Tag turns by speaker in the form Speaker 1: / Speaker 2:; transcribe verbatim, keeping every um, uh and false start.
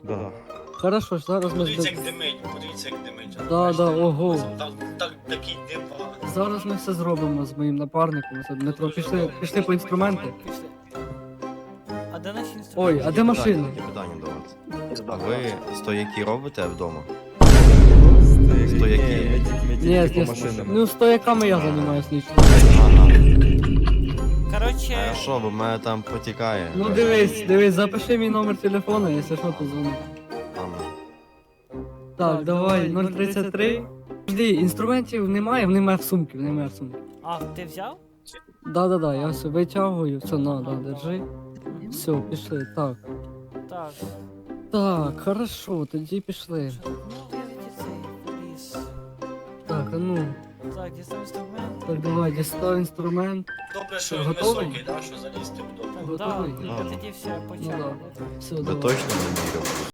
Speaker 1: Да.
Speaker 2: Хорошо, зараз ми
Speaker 3: Подивіться,
Speaker 2: з-
Speaker 3: як димить, подивіться, як димить.
Speaker 2: Да,
Speaker 3: Бачите?
Speaker 2: да, ого.
Speaker 3: Там, так, такий дим.
Speaker 2: зараз ми все зробимо з моїм напарником. Це Дмитро, пішли, пішли по інструменти.
Speaker 4: Пішли. А де наші інструменти?
Speaker 2: Ой, а де машина?
Speaker 1: Таке питання до вас. А ви стояки робите вдома?
Speaker 5: Стояки.
Speaker 1: Стояки.
Speaker 5: Ні, ми тільки- ми
Speaker 2: Ні,
Speaker 5: тільки
Speaker 2: ні,
Speaker 5: по машинам.
Speaker 2: ну стояками я займаюсь лично.
Speaker 1: Ага.
Speaker 4: Коротше,
Speaker 1: Хорошо, бо в мене там потікає.
Speaker 2: Ну дивись, дивись, запиши мій номер телефону, якщо що, то дзвони.
Speaker 1: Ладно.
Speaker 2: Так, давай, нуль тридцять три. Жди, інструментів немає, вони мають в сумці, вони мають в сумці.
Speaker 4: а ти взяв?
Speaker 2: Да-да-да, я все витягую, все, на, да, держи. Все, пішли, так.
Speaker 4: Так.
Speaker 2: Так, хорошо, тоді пішли.
Speaker 4: Що? Ну, візьміть цей поліс.
Speaker 2: Так, а ну,
Speaker 4: Так, дістав інструмент.
Speaker 2: так давай, дістав інструмент.
Speaker 3: Добре, що
Speaker 2: Ти
Speaker 3: він
Speaker 2: готовий?
Speaker 3: високий, да, що залізти вдобно.
Speaker 4: Так, да,
Speaker 2: Готовий?
Speaker 4: тільки тоді все
Speaker 2: Ну
Speaker 4: почали.
Speaker 2: да. Все,
Speaker 1: Ви
Speaker 2: давай.
Speaker 1: точно не вірите?